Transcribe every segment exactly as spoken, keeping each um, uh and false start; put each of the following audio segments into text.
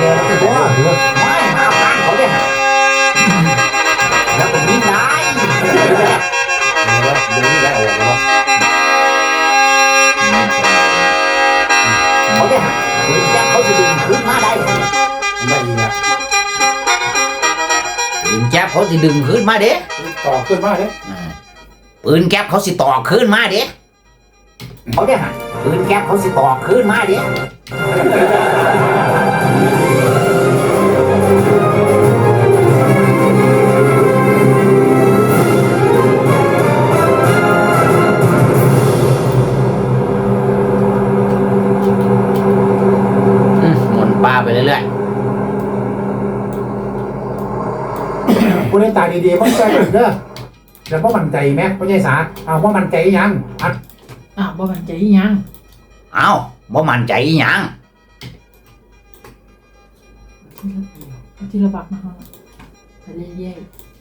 เนี่ยเราจะว่าหรือไม่มาบ้านเขาเนี่ยแล้วผมนี่ได้เดี๋ยวนี้ได้ออกแล้วเขาเนี่ยปืนแก๊ปเขาจะดึงขึ้นมาได้ไม่ดีนะปืนแก๊ปเขาจะดึงขึ้นมาเด้ต่อขึ้นมาเด้ปืนแก๊ปเขาสิต่อขึ้นมาเด้เขาเนี่ยปืนแก๊ปเขาสิต่อขึ้นมาเด้ไปเรื่อยๆคุณได้ตายดีๆเพราะใจกันเด้อแล้วเพราะมันใจไหมเพราะใจสาเอาเพราะมันใจยังอัดอ้าวบ่มันใจยังเอาเพราะมันใจยังที่ระบาดมาฮะไปเรื่อย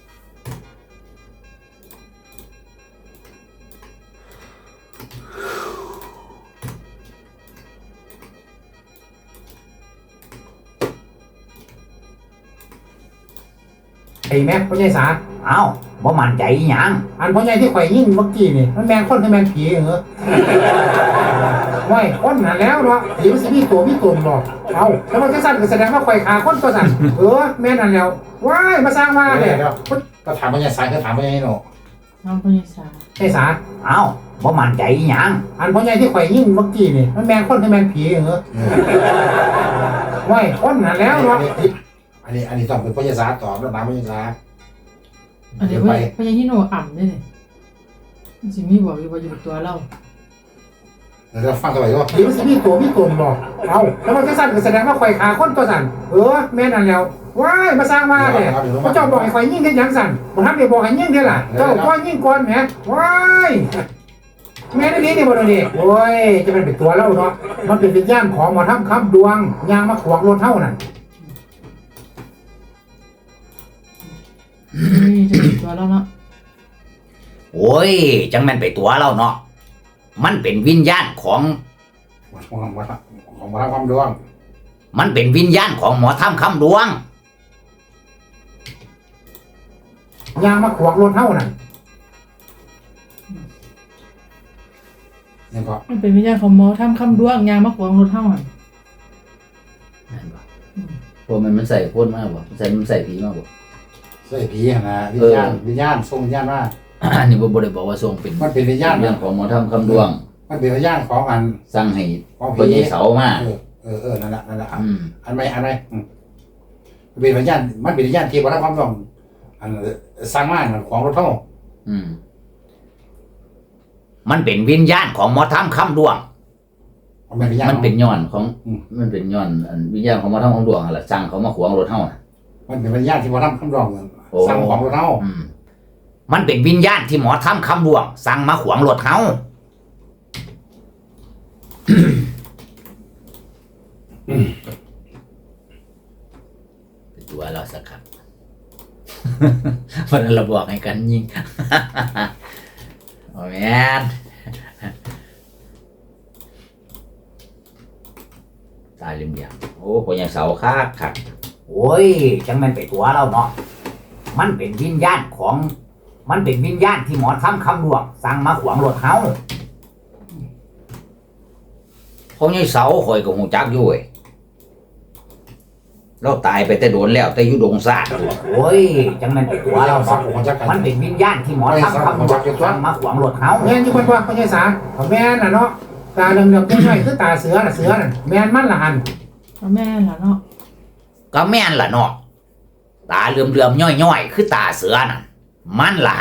ไอ้แม็กพ่อใหญ่สาเอ้าบ่มันใจหยังอันพ่อใหญ่ที่ข่อยยิ่งเมื่อกี้นี่มันแมงคนคือแมงผีเหรอว้ยคนนั่นแล้วเนาะผีมันสิมีตัวมีตนบ่เอาแล้วมันจะสั่นก็แสดงว่าข่อยขาคนตัวสั่นเออแม่นั่นแล้วว้ายมาสร้างมาเนี่ยก็ถามพ่อใหญ่สาก็ถามพ่อใหญ่เนาะถามพ่อใหญ่สาใหญ่สาเอ้าบ่มันใจหยังอันพ่อใหญ่ที่ข่อยยิ่งเมื่อกี้นี่มันแมงคนคือแมงผีเหรอว้ยคนนั่นแล้วเนาะอันนี้อันนี้ต้องเป็นพยาศาสตร์ตอบแล้วนะพยาศาสตร์อันนี้พยพยาที่โนอ่ำนี่มันสิมีบอกอยู่ว่าอยู่ตัวเราเราฟังกันไปว่าผีมันสิมีตัวมีตนบอกเอาแล้วมันจะสั่นก็แสดงว่าข่อยขาคนตัวสั่นเออแม่นั่นแล้วว้ายมาสร้างมาเนี่ยพระเจ้าบอกให้ข่อยยิ่งแค่ยังสั่นผมทำเดี๋ยวบอกให้ยิ่งแค่ละเจ้าก้อนยิ่งก้อนแหมว้ายแม่นี่นี่บ่นี่โอ้ยจะเป็นเป็นตัวเราเนาะมันเป็นวิญญาณของหมอทำคำดวงยางมาขวางรถเท่านั่นนี่จะเป็นตัวเราเนาะโอ้ยจังแม่นไปตัวเราเนาะมันเป็นวิญญาณของของหมอของหมอทำคำดวงมันเป็นวิญญาณของหมอทำคำดวงยางมาขวางรถเท่านั่นยังก็มันเป็นวิญญาณของหมอทำคำดวงยางมาขวางรถเท่านั่นนั่นป่ะพวกมันมันใส่พ่นมากบ่ใส่มันใส่ผีมากบ่ใส่ผีนะวิญญาณวิญญาณทรงวิญญาณว่าอันนี้บ่ได้บอกว่าทรงเป็นมันเป็นวิญญาณเรื่องของหมอทำคำดวงมันเป็นวิญญาณของอันสร้างให้พ่อใหญ่เสามาเออเออเออนั่นแหละนั่นแหละอันไหนอันไหนมันเป็นวิญญาณมันเป็นวิญญาณที่หมอทำคำดวงอันสร้างมาของรถเท่าอืมมันเป็นวิญญาณของหมอทำคำดวงมันเป็นย้อนของมันเป็นย้อนวิญญาณของหมอทำคำดวงอะไรสร้างเขามาขวางรถเท่าน่ะมันเป็นวิญญาณที่หมอทำคำดวงสั่งของรถเฮามันเป็นวิญญาณที่หมอทำคำดวงสั่งมาขวางรถเฮาเป็นตัวเราสักครับเพราะนั้นเราบอกให้กันยิงโอ้แม่นตายลืมอย่างโอ้พ่อใหญ่เสาคักคักโอ้ยจังมันไปตัวเราเนาะมันเป็นวิญญาณของมันเป็นวิญญาณที่หมอทำคำดวงสั่งมาขวางรถเฮาพ่อใหญ่เสาข่อยก็ฮู้จักอยู่เว้ยเราตายไปแต่โดนแล้วแต่อยู่ดงซาดโอ้ยจังมันไปตัวเราเนาะมันเป็นวิญญาณที่หมอทำคำดวงสั่งมาขวางรถเฮาแม่นอยู่เพิ่นว่าพ่อใหญ่สาแม่นน่ะเนาะตาเหลืองๆน้อยๆคือตาเสือน่ะเสือน่ะแม่นมันล่ะหั่นแม่นล่ะเนาะก็แม่นล่ะเนาะตาเหลื่อมๆย่อยๆคือตาเสือน่ะมันล่ะ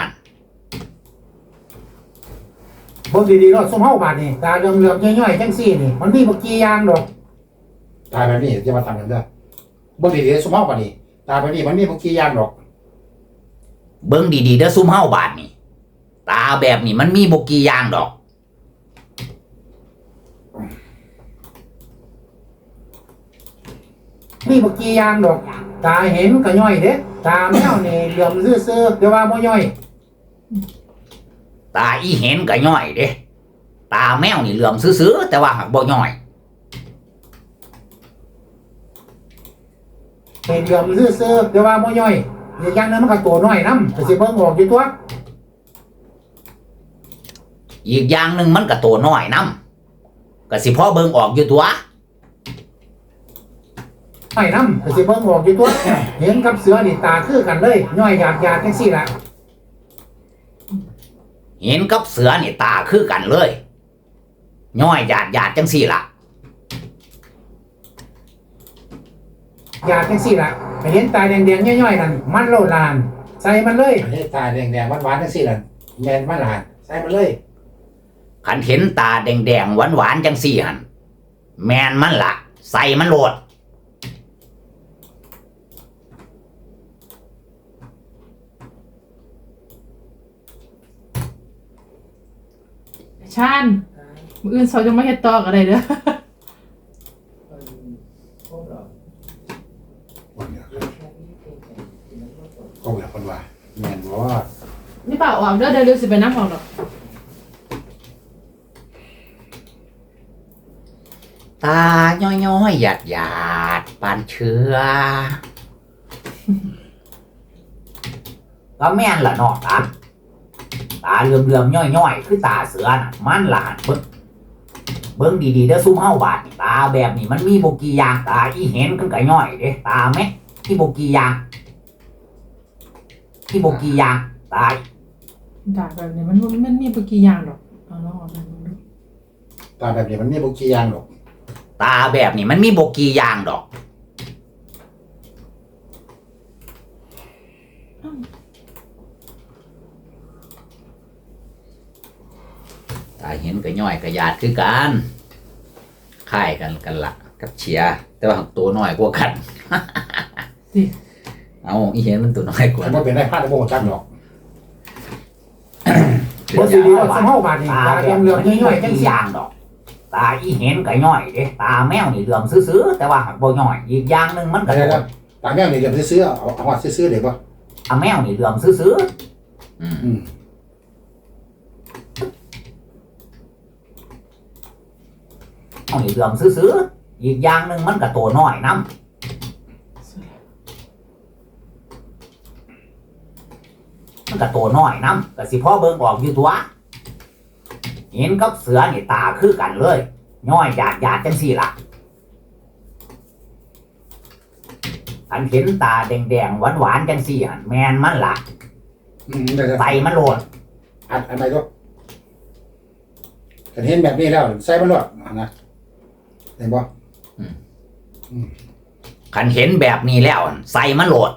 บ่ดีๆเนาะซุมเฮาบาดนี่ตาเหลื่อมๆย่อยๆจังซี่นี่มันมีบ่กี่อย่างดอกตาแบบนี้จะมาทำกันเด้อบ่ดีๆซุมเฮาบาดนี่ตาแบบนี้มันมีบ่กี่อย่างดอกเบิ่งดีๆเด้อซุมเฮาบาดนี่ตาแบบนี้มันมีบ่กี่อย่างดอกมีบ่กี่อย่างดอกตาเห็นก็ย่อยเด้ตาแมวนี่เหลื่อมซื่อๆแต่ว่าบ่ย่อยตาอีเห็นก็ย่อยเด้ตาแมวนี่เหลื่อมซื่อๆแต่ว่าหักบ่ย่อยเป็นเหลี่ยมซื่อๆแต่ว่าบ่ย่อยอีกอย่างหนึงมันก็ตัวน้อยนำก็สิเบิ่งออกอยู่ตัวอีกอย่างหนึ่งมันก็ตัวน้อยนำก็สิพ่อเบิ่งออกอยู่ตัวน้อยนำก็สิเบิ่งออกอยู่ตัว เห็นกับเสือนี่ตาคือกันเลยย่อยหยาดๆจังซี่ล่ะเห็นกับเสือนี่ตาคือกันเลยย่อยหยาดหยาดจังสี่ล่ะหยาดจังซี่ล่ะไปเห็นตาแดงๆย่อยๆนั่นมันโลดลานใส่มันเลยเห็นตาแดงๆหวานๆจังซี่ล่ะแม่นมันลานใส่มันเลยขันเห็นตาแดงๆหวานๆจังสี่หันแมนมันละใส่มันโหลดชาญมื้ออื่นเขาจะมาเฮ็ดต่อก็ได้เด้อก็แบบคนว่าแม่นบ่นี่ป่าออกเด้อเดี๋ยวเร็วสิไปน้ำออกดอกตาย้อยๆหยาดหยาดปานเชื้อ ก็แม่นละเนาะตาตาเหลื่อมๆย่อยๆคือตาเสือน่ะมันหลานเบิ่งเบิ่งดีๆเด้อซุ่มเฮาบาดนี่ตาแบบนี้มันมีบ่กี่อย่างตาอีเห็นกันก็ย่อยเด้ตาแม่ที่บ่กี่อย่างที่บ่กี่อย่างตาด่าแบบนี้มันบ่มันมีบ่กี่อย่างดอกเอาลองออกมาดูตาแบบนี้มันมีบ่กี่อย่างหรอกตาแบบนี้มันมีบ่กี่อย่างดอกตาเห็นก็ย่อยก็หยาดคือกันคล้ายกันกันละกับเชียร์แต่ว่าตัวน้อยกว่ากันสิเอาอีเห็นมันตัวน้อยกว่าบ่เป็นได้พลาดบ่จักหรอกบ่สิดีว่าซุ่มเฮาบาดนี่ตาเหลื่อมๆย่อยๆจังซี่อย่างดอก ตาอีเห็นก็ย่อยเด้ตาแมวนี่เหลื่อมซื่อๆแต่ว่าหักบ่ย่อยอีกอย่างหนึงมันก็เดี๋ยวๆตาแมวนี่เหลี่ยมซื่อๆเอาเอาว่าซื่อๆได้บ่อะแมวนี่เหลื่อมซื่อๆอืมอืมแมวนี่เหลื่อมซื่อๆอีกอย่างหนึงมันก็ตัวน้อยนำมันก็ตัวน้อยนำก็สิพ่อเบิ่งออกอยู่ตัวเห็นกับเสือนี่ตาคือกันเลยย่อยหยาดหยาดจังสี่ล่ะอันเห็นตาแดงๆหวานๆจังสี่หันแมนมันล่ะอืมเดี๋ยวใส่มันโหลดๆอัดอันใดก็กันเห็นแบบนี้แล้วใส่มันรอดนะเห็นบ่คันเห็นแบบนี้แล้วใส่มันโหลด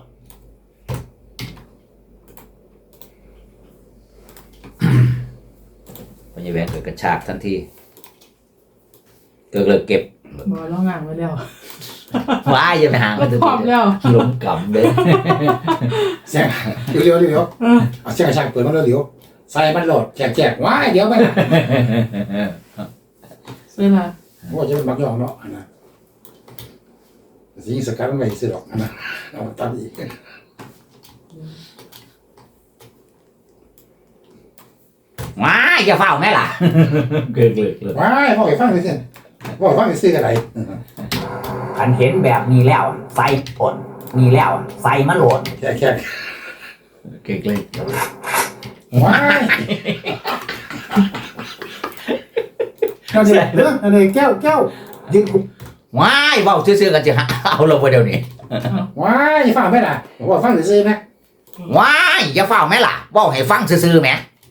พยาแวนเกิดกระชากทันทีเกิดเลยเก็บบ่ลองงานไว้แล้วว้ายอย่าไปหาก็พร้อมแล้วหลงกำเลยเสียงเร็วๆเร็วๆเอาเสียงกระชากเปิดมันเร็วๆใส่มันโหลดแจกๆว้ายเดี๋ยวมันเสร็จละว่าจะเป็นบักยองเนาะอันนะสิงสกัดมันไว้ซื้อดอกอันนะเอาตัดอีกว้ายอย่าเฝ้าแม่ล่ะ เกิดเลยเลยว้ายพ่อไปฟังไปสิพ่อไปฟังไปซื้ออะไรคันเห็นแบบนี้แล้วใส่ผลนี่แล้วใส่มันโหลดแค่แค่เกิดเลยว้ายเอาเดี๋ยวเรื่องอะไรแก้วแก้วยิงว้ายเฝ้าซื่อๆกันจะหาเอาเราไปเดี๋ยวนี้ว้ายฟังไหมล่ะผมว่าฟังซื้อไหมว้ายอย่าเฝ้าแม่ล่ะเว้าให้ฟังซื่อๆแหม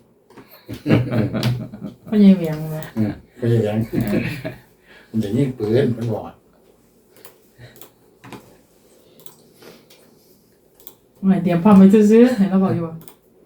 พ่อใหญ่เวียงนะก็อย่างนั้นมันจะยิงปืนมันบอดไม่เตรียมพร้อมไว้ซื้อๆให้เราบอกอยู่ว่า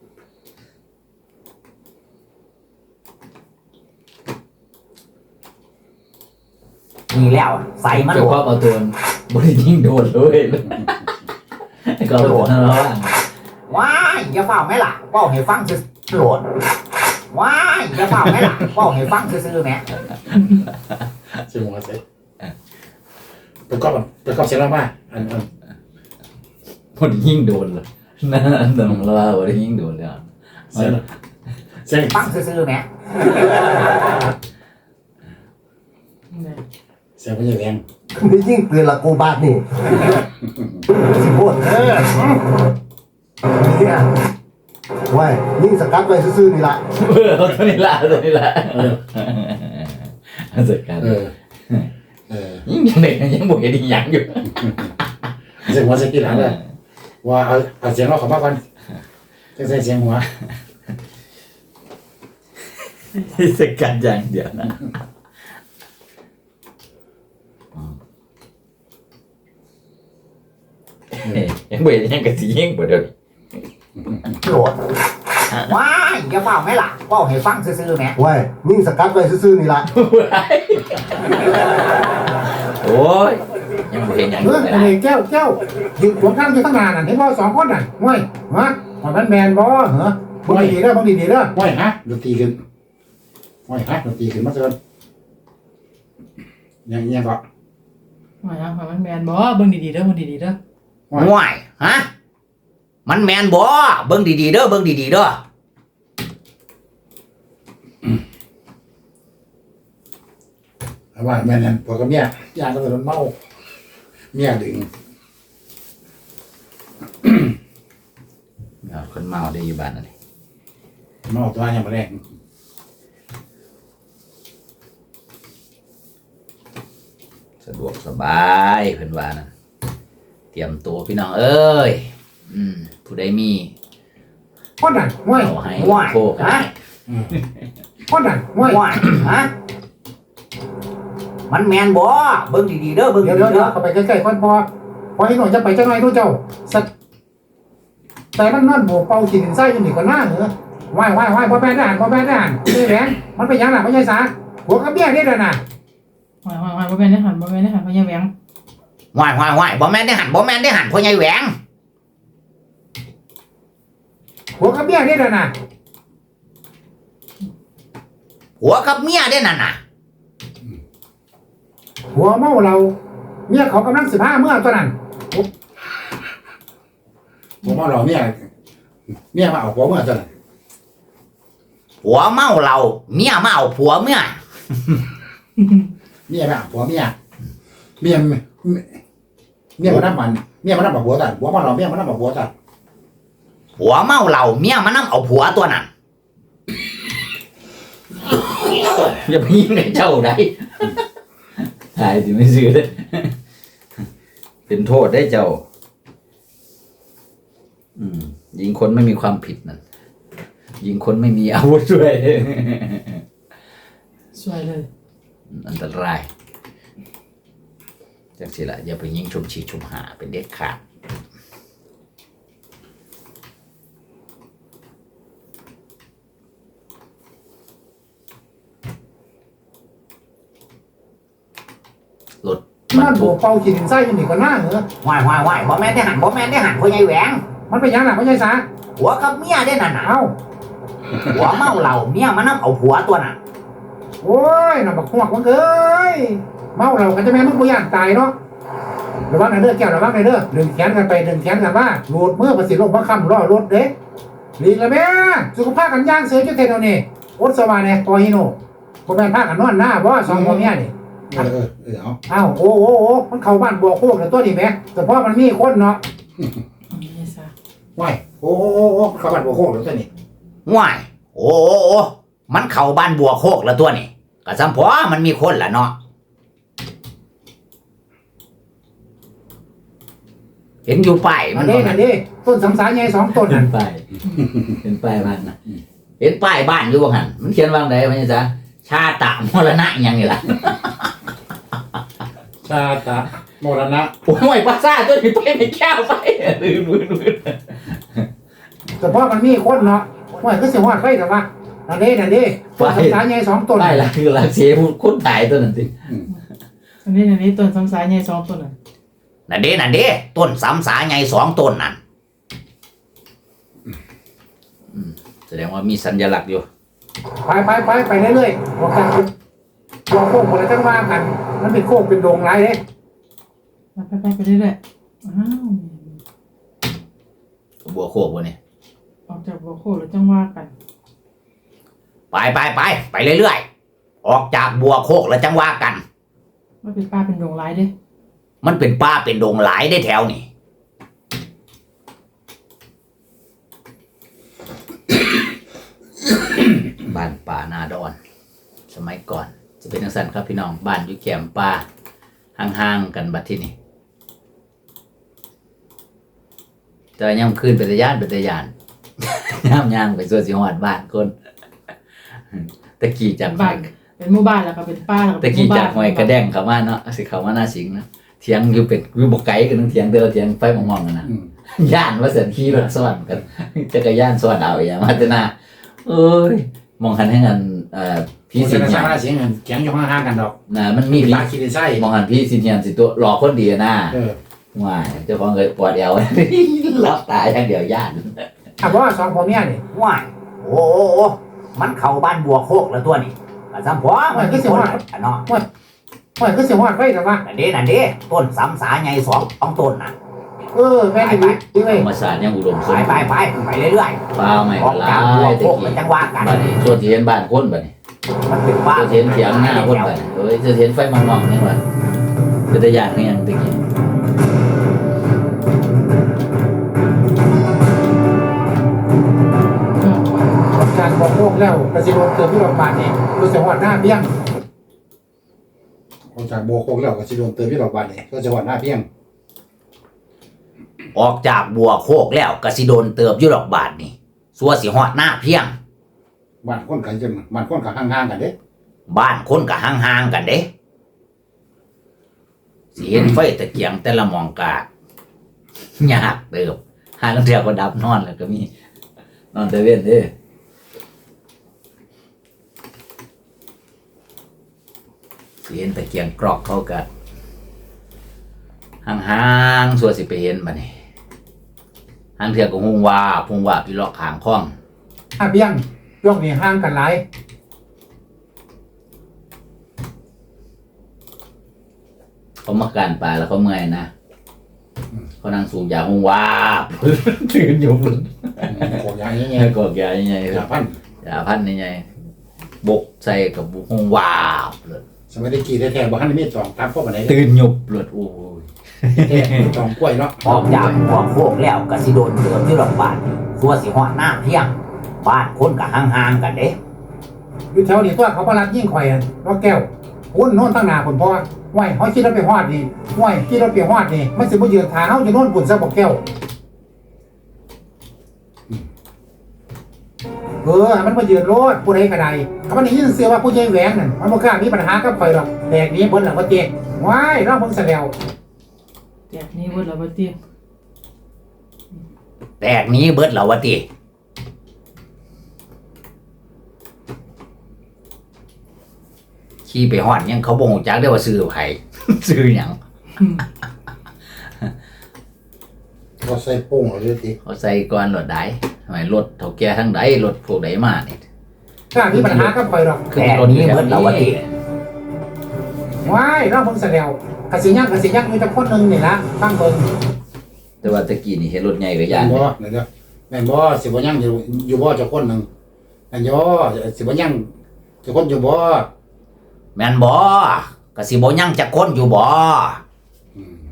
นี่แล้วใส่มันโหลดเอาตัวบริยิงโดนเลยก็โหลดแล้วว้ายอย่าเฝ้าแม่ล่ะเว้าให้ฟังซื่อโหลดว้ายอย่าเฝ้าแม่ล่ะเว้าให้ฟังซื่อๆแหมใช่ไหมครับประกอบประกอบเสร็จแล้วมาอันอันบริยิงโดนเลยนั่นตรงเราบริยิงโดนเลยเสร็จเสร็จฟังซื่อๆแหมเนี่ยเเสียงไม่ใช่แรงนี่ยิ่งเปลี่ยนละกูบาทนี่สิโพดเออเนี่ยไว้ยิ่งสกัดไว้ซื่อๆนี่ละเออตัวนี้ละตัวนี้ละสกัดเออเออยังเด็กยังบ่เห็นอีหยังอยู่เสียงหัวเสียงกี่หลังเลยว่าเอาเอาเสียงเราเข้ามาก่อนจะใส่เสียงหัวสกัดอย่างเดียวนะยังบ่เห็นยังกะสิยิงบ่เดี๋ยวนี้โหลดว้ายอย่าเฝ้าแม่ล่ะเว้าให้ฟังซื่อๆแหมไว้ยิ่งสกัดไว้ซื่อๆนี่ละโอ้ยยังบ่เห็นหยังอเอยู่ อเลยไอ้นี่แก้วแก้วยืนขวางข้างอยู่ตั้งนานน่ะเห็นบ่สองคนน่ะง่วยฮะมันแมนบ่เหรอบังดีๆเด้อบังดีๆเด้อห้อยฮะดนตรีขึ้นห้อยฮะดนตรีขึ้นมาเชิญยังยังก็ว่าหยังว่ามันแม่นบ่เบิ่งดีๆเด้อเบิ่งดีๆเด้อง่วยฮะมันแม่นบ่เบิ่งดีๆเด้อเบิ่งดีๆเด้อเอาว่าแม่นั่นพอกับเมียย่างก็จะโดนเมาเมียดึงเอาคนเมาได้อยู่บ้านนั่นนี่เมาตัวยังมาแรงสะดวกสบายเพิ่นว่านั่นเตรียมตัวพี่น้องเอ้ยอืมผู้ใดมีคนน่ะง่วยเอาให้โคกให้คนน่ะง่วยง่วยฮะมันแม่นบ่เบิ่งดีๆเด้อเบิ่งเดี๋ยวดีเดี๋ยวๆ เด้อเดี๋ยวเข้าไปใกล้ๆก่อนพอพอให้หน่อยจะไปจังหน่อยดูเจ้าสักแต่มันนอนโบกเป่าขีดไส้อยู่นี่ก็น่าเหรอว่ายว่ายว่ายบ่แม่นทหารบ่แม่นทหารนี่แหวนมันเป็นหยังล่ะไม่ใช่สาหัวกับเบี้ยนี่เด้อน่ะว่าว่าว่าบ่แม่นได้หันบ่แม่นได้หันพญาแหวงว่ายว่ายว่ายบ่แม่นได้หันบ่แม่นได้หันพ่อใหญ่แหวงหัวกับเบี้ยนี่เด้อน่ะหัวกับเมียได้นั่นน่ะหัวเมาเราเมียเขากำลังสิบห้าเมื่อตัวนั้นผมเอาเราเมียเมียมาเอาผัวเมื่อเท่าไหร่หัวเมาเราเมียมาเอาผัวเมียเมียมาเอาผัวเมียเมียเมียมานับมันเมียมานับเอาผัวตัดผัวมาเราเมียมานับเอาผัวตัดหัวเมาเราเมียมานํเอาผัวตัวนั้นอย่าไปยิงกับเจ้าได้ตายสิไม่ซื้อเลยเป็นโทษได้เจ้าอืมยิงคนไม่มีความผิดนั่นยิงคนไม่มีอาวุธด้วยสวยเลยอันตรายจังสิละอย่าไปยิงชุมฉีดชุมหาเป็นเด็ดขาดรถนอนโบกเป่าขีดไส้อยู่นี่ก็น่าเหรอว่ายว่ายว่ายบ่แม่นได้หันบ่แม่นได้หันพ่อใหญ่แหวงมันเป็นหยังล่ะไม่ใช่สาหัวกับเมียได้นั่นน่ะเอ้าหัวเมาเหล้าเมียมานํเอาผัวตัวน่ะโอ้ยน่ะบักหวกมันเอ้ยเมาเราก็จะแม่มึงบ่ย่านตายเนาะระวังนะเด้อแก้วระวังนะเด้อดึงแขนกันไปดึงแขนกันมาโหลดมือประสิทธิ์ลงพระคำรอรถเด้หลีกละแม่สุขภาพกันย่างเสือจุดเทนเอานี่อดสวาเนี่ยปอฮิโน่คนแม่นพากันนอนหน้าบ่สองคนเนี้ยนี่เออเออเออเอาอ้าวโอ้โอ้โอ้มันเข้าบ้านบัวโคกแล้วตัวนี้แหม่แต่เพราะมันมีคนเนาะนี่ซะไหวโอ้โหโอ้โหเข้าบ้านบัวโคกแล้วตัวนี้ว่ายโอ้โอ้โอ้มันเข้าบ้านบัวโคกแล้วตัวนี่ก็ซ้ำพอมันมีคนละเนาะเห็นอยู่ป้ายอัมัน นนี้บ่อันั่นนนี้ต้นสำสายใหญ่สองต้นเห็นั่นนป้ายเห็นป้ายบ้านนะเห็นป้ายบ้านอยู่ว่าหั่นมันเขียนว่าไงมันจะ ชาตะมรณะอิหยังนี่ล่ะชาตะมรณะโอ้ยภาษาตัวนี้ไปไม่แก้วไปลืมลืมลืมแต่เพราะมันมีคนเนาะว่าก็เสียหอดไฟแต่ว่าอันนี้อันนี้ต้นสำสายใหญ่สองต้นได้ละคือละเสียคนตายตัวนั้นสิอันนี้อันนี้ต้นซ้ำสายใหญ่สองต้นน่ะนั่นเด้นั่นเด้ต้นสามสาไงสองต้นนั่นอืมแสดงว่ามีสัญลักษณ์อยู่ไปไปไปไปเรื่อยๆบอกกันบัวโคกหมดแล้วจังว่ากัน มันเป็นโคกเป็นโดงไรเด้ไปไปไปเรื่อยๆอ้าวบัวโคกบัวนี่ออกจากบ่โคแล้วจังว่ากันไปไปไปไปเรื่อยๆออกจากบัวโคกแล้วจังว่ากันมันเป็นป้าเป็นดงหลายเด้มันเป็นป่าเป็นดงหลายได้แถวนี่ บ้านป่านาดอน สมัยก่อนจะเป็นจังซั่นครับพี่น้องบ้านอยู่แคมป์ป่าห่างๆกันบัดที่นี่แต่ย่ำคืนเป็นตะยานเป็นตะยาน ย่ำย่างไปส่วนสิฮอดบ้านคนตะกี้จากบ้านเป็นหมู่บ้านแล้วก็เป็นป้าแล้วก็ตะเป็นหกี้มู่บ้าจาน กหอยกระแดงเข้ามาเนาะสิเข้ามาหน้าสิงนะเถียงอยู่เป็นอยู่บ่ไกลกันเถียงแต่ละเถียงไฟมองๆกันนะอืมย่านว่าเสียนขี่รถสวนกันจักรยานสวนเอาอย่างมาแต่หน้าเอ้ยมองหันให้กันเอ่อพี่พี่สิสินนยัสาน เสียงเงินแข็งอยู่ห่างๆกันดอกน่ะมันมีพี่ปลาคิดไส้มองหันพี่สินยันสิตัวรอคนเดียวนะเออว้ายเจ้าของเคยปวดเอว รับตายอย่างเดียวย่านถามว่าสองผมเนี่ยนี่ว้ายโอ้โหมันเข้าบ้านบัวโคกแล้วตัวนี้ก็ซ้ำพอมันก็สิว่าเนาะว่าคือสิฮอดไว้แต่ว่านั่นเด้นั่นเด้ต้นสำสาใหญ่สองสองต้นน่ะเออแม่นดีดีเว้ยธรรมศาสตร์ยังอุดมสมบูรณ์ไปไปไปเรื่อยๆฟ้าไม่ออกลาจากบัวย โคตะกกี้เป็นจังหวะกันบัดนี้ส่วนที่เห็นบ้านคนบัดนี้มันเป็นส่บ้าวนที่เห็นเถียงหน้าคนบัดนี้เอ้ยจะเห็นไฟมองๆนี่ว่าเป็นตะยานคือหยังตะกี้การบอกโลกแล้วกระสิโดนเกิดที่โรงพยาบาลนี่รู้สึกว่าหน้าเบี้ยงออกจากโบโคกแล้วก็สิโดนเติมที่ดอกบานนี่ก็จังหวัดหน้าเพียงออกจากบัวโคกแล้วก็สิโดนเติบอยู่ดอกบาทนี่สัวสิฮอดหน้าเพียงบ้านคนกันจังบ้านคนกันห่างๆกันเด้บ้านคนก็ห่างๆกันเด้สิเห็นไฟตะเกียงแต่ละหมองกายากเติบหาลังเทื่อก็ดับนอนแล้วก็มีนอนแต่เว้นเด้อสิเห็นตะเกียงกรอกเขาก็ห่างๆสัวสิไปเห็นบัดนี้หางเทื่อก็ฮุงว่าพุงว่าพี่เลาะข้างคลองหน้าเบี้ยงย่องนี่ห่างกันหลายเขามาการปลาแล้วเขาเมื่อยนะเขานั่งสูบยาหงว้าบ ตื่นอยู่บนโคกยางเงี้เงี้ยยกอกยาใหญ่ๆยาพันยาพันใหญ่บกใส่กับบุหงว้าบเลยสมัยตะกี้แท้ๆบ่ทันได้มีตองตามพวกบันไดตื่นหยุบเลยโอ้ยแท้ตองกล้วยเนาะออกจากหัวโคกแล้วก็สิโดนเติมที่โรงพยาบาลสัวสิฮอดหน้าเพียงบ้านคนก็ห่างๆกันเด้อยู่แถวนี้ตัวเขาพลัดยิ่งข่อยอะว่าแก้วพุ่นโน่นตั้งหนาผลเพราะว่าไหวเขาคิดเราไปฮอดนี่ไหวคิดเราไปฮอดนี่มันสิบ่ยืนทางเขาอยู่โน่นปุ่นซะบอกแก้วเออมันมายืนโลดผู้ใดก็ได้ถ้ามันได้ยินเสียงว่าผู้ใหญ่แหวงนั่นมันบ่กล้ามีปัญหากับข่อยหรอกแบกนี้เบิ่นหลังบ่เจ๊ว้ายเราเบิ่งซะแล้วแจกนี้เบิดแล้วบ่ติแตกนี้เบิดแล้ววะติขี่ไปฮอดยังเขาบ่ฮู้จักได้ว่าซื้อไผ ซื้อหยังอืมก็ใส่โป่งเลยทีเขาใส่ก่อนรถใดทำไมรถเฒ่าแก่ทั้งใดรถพวกใดมานี่กล้ามีปัญหากับข่อยหรอกคือรถนี้เบิดแล้ววะติว้ายเราเบิ่งซะแล้วกะสิยังกะสิยังอยู่แต่คนหนึงนี่ล่ะฟังเบิ่งแต่ว่าตะกี้นี่เห็นรถใหญ่ก็แม่ย่านนบ่เดี๋ยวแม่นบ่สิบ่ยังอยู่อยู่บ่เจ้าคนหนึงอันย่อสิบ่ยังเจ้าคนอยู่บ่แม่นบ่ก็สิบ่ยังจักคนอยู่บ่อืม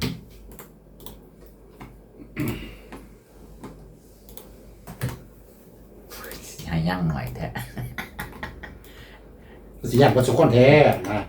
ให้ยังหน่อยแท้สิยังบ่เจ้าคนแท้นะ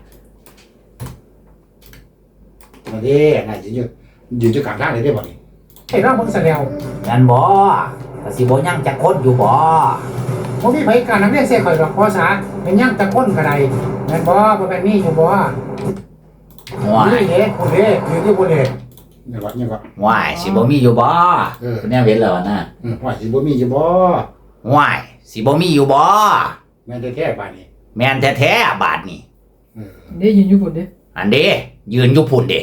มาเด้น่าสิอยู่ยืนอยู่กลางทางเลยได้บ่นี่ให้เราเบิ่งซะแล้วแม่นบ่ก็สิบ่ยังจักคนอยู่บ่บ่มีไผกล้านำเรียนเสียข่อยหรอกเพราะซะเป็นยังแต่คนก็ได้แม่นบ่บ่แม่นมีอยู่บ่ห่วยนี่เด้ผู้เด้อยู่ที่ผู้เด้นี่ว่านี่ว่าห่วยสิบ่มีอยู่บ่เออคุณแม่เห็นแล้วนะอืมว่าสิบ่มีอยู่บ่ห่วยสิบ่มีอยู่บ่แม่นแท้ๆบาดนี้แม่นแท้ๆบาดนี้เออได้ยินอยู่พุ่นเด้อันเด้ยืนอยู่พุ่นเด้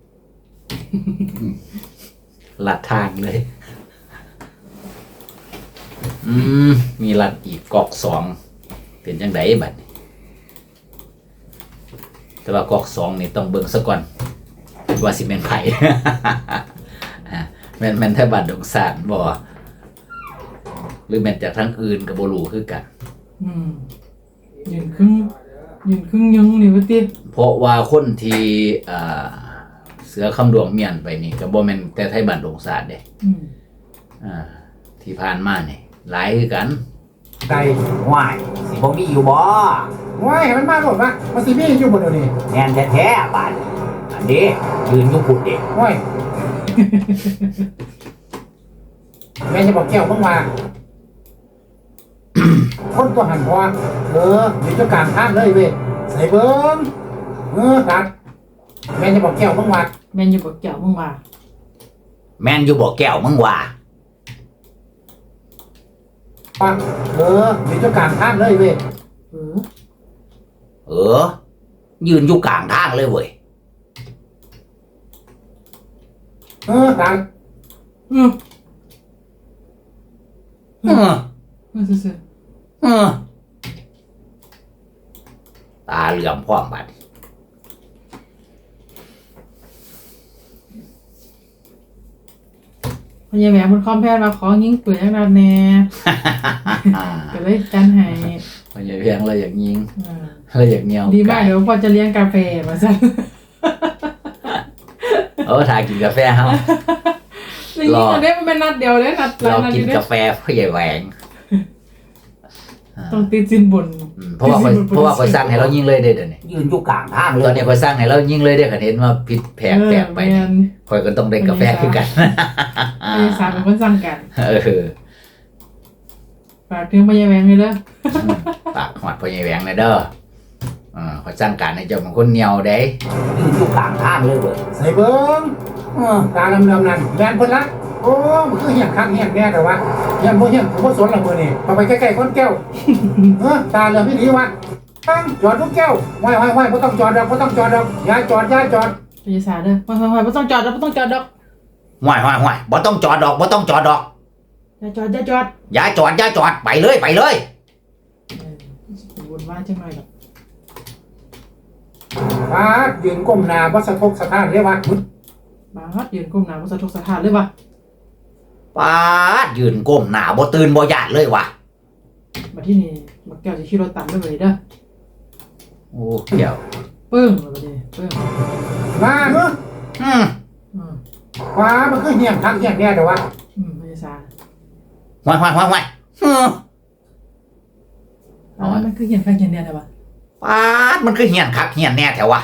ลัดทางเลย อืมมีลัดอีกกอกสองเป็นจังไดบัดนี้แต่ว่ากอกสองนี่ต้องเบิ่งซะก่อนว่าสิเป็นไผ แม่นแม่นแท้บัดดงสารบ่หรือแม่นจากทางอื่นก็บ่รู้คือกันอืมยืนครึ่งยืนครึ่งยังนี่ว่าติเพราะว่าคนที่อ่าเสือคำดวงเมียนไปนี่ก็บ่แม่นแต่ไทยบ้านดงศาสตร์เด้อืมอ่าที่ผ่านมานี่หลายคือกันไก่ว้ายสิบ่มีอยู่บ่ว้ายให้มันมาโลดวะมาสิมีอยู่บ่เดี๋ยวนี้แม่นแท้ๆบาดนี้อันนี้ยืนอยู่พุ่นเด้ว้ายแม่จะบอกแก้วเพิ่งมา คนตัวหันพอเอออยู่เจ้ากลางทางเลยเว้ยใส่เบิ้งเออตัดแม่จะบอกแก้วเพิ่งมาแม่นอยู่บ่แก้วมึงว่าแม่นอยู่บ่แก้วมึงว่าปังเอออยู่เจ้ากลางทางเลยเว้ยเออเออ ยืนอยู่กลางทางเลยเว้ยเออตัดอืมเออเออซื่อเออตาเหลื่อมพร้อมบัดๆพญาแหวนมันคอมแพทย์มาขอยิงปืนจังนั้นแน่ก็เลยจันให้มันอย่าเพียงเลยอย่างยิงเออเลยอย่างเงียวดีมากเดี๋ยวพอจะเลี้ยงกาแฟมาซะเออถ่ายกินกาแฟเฮานี่ยิงอันนี้มันเป็นนัดเดียวเลยนัดหลายเรานัดกิอน ยู่เนี่ยกาแฟพ่อใหญ่แหวงอ่าต้องติดสินบนอืมเพราะว่าคอยเพราะว่าคอยสร้างให้เรายิงเลยเด้เดี๋ยวนี้ยืนอยู่กลางทางเลตอย นนี้คอยสร้างให้เรายิงเลยเด้คันเห็นว่าผิดแผกแปลกไปเออนี่แม่นคอยก็ต้องได้กาแฟคือกันพญาสารเป็นคนสั่งกันเออฝากถึงพญาแหวนเลยเด้อปากหอดพ่อใหญ่แหวงเลยเด้ออ่าคอยสร้างการให้เจ้าเป็นคนเหนียวเด้ยืนอยู่กลางทางเลยเว้ยใส่เบิ้งเออตาดำๆนั่นแม่นเพิ่นละโอ้มันคือเหี้ยงคักเหี้ยงแน่แต่ว่าเหี้ยงบ่เหี้ยงผมบ่สนละมื้อนี้เอาไปใกล้ๆคนแก้วเออตาเหลือพี่ดีวะตั้งจอดทุกแก้วไว้ไว้ไว้บ่ต้องจอดดอกบ่ต้องจอดดอกอย่าจอดอย่าจอดพญาสารเด้อไปไปไปไม่ต้องจอดแล้วไม่ต้องจอดดอกห่วยห่วยห่วยบ่ต้องจอดดอกบ่ต้องจอดดอกอย่าจอดอย่าจอดอย่าจอดอย่าจอดไปเลยไปเลยเออวนว่าจังหน่อยดอกฟ้ายืนก้มหน้าบ่สะทกสะท้านเลยวะบาดยืนก้มหน้าบ่สะทกสะท้านเลยว่ะปาดยืนก้มหน้าบ่ตื่นบ่ญาติเลยว่ะบัดที่นี่บักแก้วสิขี่รถตามไปเลยเด้อโอ้เกี่ยวปึ้งบัดนี้ปึ้งมาเนาะอืมอืมฟ้ามันคือเหี้ยงคักเหี้ยงแน่แต่ว่าอืมพญาสารห่วยห่วยห่วยห่วยอืมอ๋อมันคือเขียนข้างเขียนเนี่ยแต่ว่าปาดมันคือเหียนคักเหียนแน่แถววะ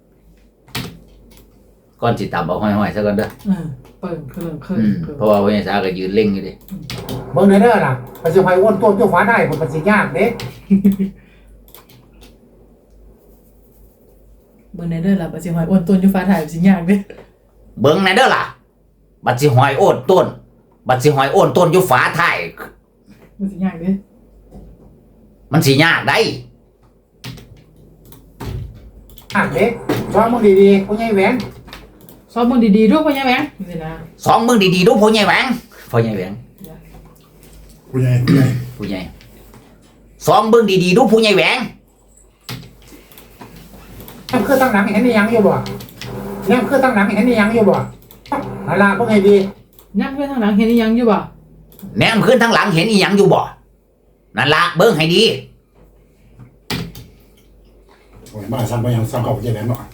ก่อนสิตามเอาห้อยๆซะก่อนเด้อเออเปิ่งเครื่องเครื่ออืงมเครื่องเพราะว่าพ่อใหญ่สาก็ยืนเล่งอยู่ดิเบิ่งเด้อล่ะไปสิไปอ้วนต้นเจ้าฟ้าได้ผมมันสิยากเด้เบิ่งในเด้อล่ะบัดสิหอยอ้วนต้นอยู่ฟ้าถ่ายสิยากเด้เบิ่งในเด้อล่ะ บัดสิหอยโอนต้น บัดสิหอยโอนต้นอยู่ฝาท้ายมันสิยากเด้มันสิยากได้อ่ะเด้ชอบมึงดีๆผู้ใหญ่แหวนสอนมึงดีๆด้วยพ่อใหญ่แหวงนี่นะสองมึงดีๆดูพ่อใหญ่แหวงพ่อใหญ่แหวงผู้ใหญ่ผู้ใหญ่ผู้ใหญ่สองมึงดีๆดูผู้ใหญ่แหวงนั่นคือตั้งหนังเห็นอีหยังอยู่บ่นั่นคือตั้งหนังเห็นอีหยังอยู่บ่เอาล่ะพวกให้ดียักเพื่อนทางหลังเห็นอีหยังอยู่บ่แนมขึ้นทางหลังเห็นอีหยังอยู่บ่นั่นละเบิ่งให้ดีโอ้ยมาสั่งไปยังสั่งเข้าไปเย็นแล้วเนาะ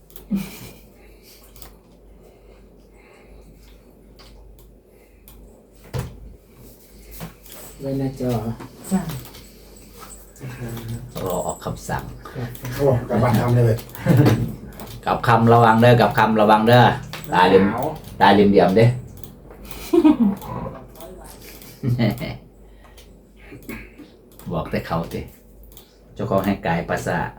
ไว้หน้าจอจ้ารอออกคำสั่งเขาบอกกลับบ้านทำเลยเว้ยกับคำระวังเด้อกับคำระวังเด้อตาเหลี่ยมตาเหลี่ยมเดียมเด้ บอกแต่เขาติเจ้าของให้กายภาษาท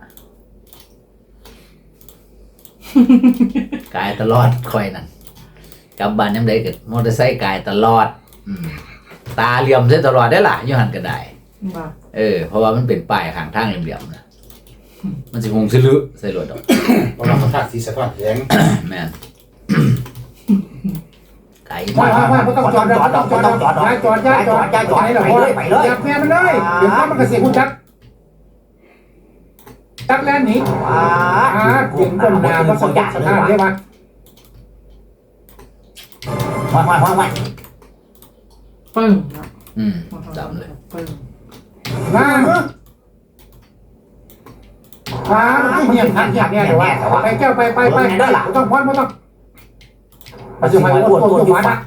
กายตลอดคอยนั่นกลับบ้านยังไดก็มอเตอร์ไซค์กายตลอดอืมตาเหลี่ยมใส่ตลอดได้อล่ะอยู่หันก็ได้บ่เออเพราะว่ามันเป็นป้ายข้างทางเหลี่ยมๆนะมันสิหงสิลึใส่รถดอกเพราะว่าเขาทาสีสะท้อนแสงแม่น ไก่ว่าว่าว่าบ่ต้องจอดดอกบ่ต้องจอดดอกอย่าจอดอย่าจอดอย่าจอดไปเลยไปเลยอย่าแพ้มันเลยเดี๋ยวมันก็สิฮู้จักจักแล่นหนีว้าอ่ายืนก้มหน้าบ่สะทกสะท้านเลยวะห่วยห่วยห่วยห่วยปึ้งนะอืมจำเลยปึ้งมาเนาะฟ้ามันเงียบทันเงียบเนี่ยเดี๋ยวว่าไปแก้วไปไปไปต้องพอนไม่ต้องปัจจุบันปวดปวดหัวนะ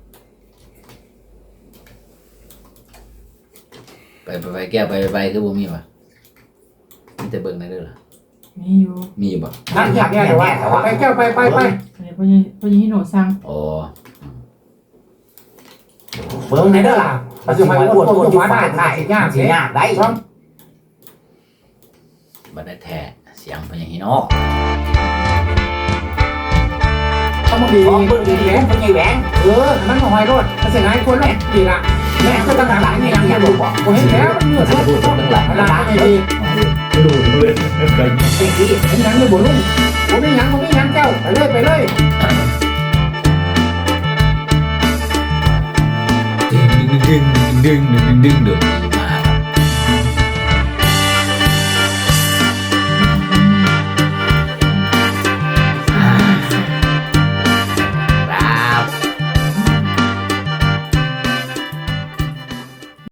ไปไปไปแก้วไปไปคือบ่มีป่ะมีแต่เบิ่งในเด้อล่ะมีอยู่มีบ่ทันเงียบเนี่ยเดี๋ยวว่าไปแก้วไปไปไปอันนี้พ่อยังพ่อยังฮิโนะสั่งอ๋อเบิ่งในเด้อล่ะปัจจุบันปวดปวดอยู่ฝ่ายท้ายสิยากได้บัดได้แท้เสียงพญาฮิโนะต้องมาดีของเบิ่งดีดีๆเป็นไงแหวงเออมันหอยรถมันเสียหายคนแล้วดีละแม่ก็ตั้งหลังนี่ยังยังดูบอกผมเห็นแล้วมันเหนื่อยพูดถึงตั้งหลังหลังไม่ดีดูเลยจริงที่เห็นยังเลยบ่ลุงผมไม่ยังผมไม่ยังเจ้าไปเลยไปเลยดึงดึงดึงดึงดึงดึงดึง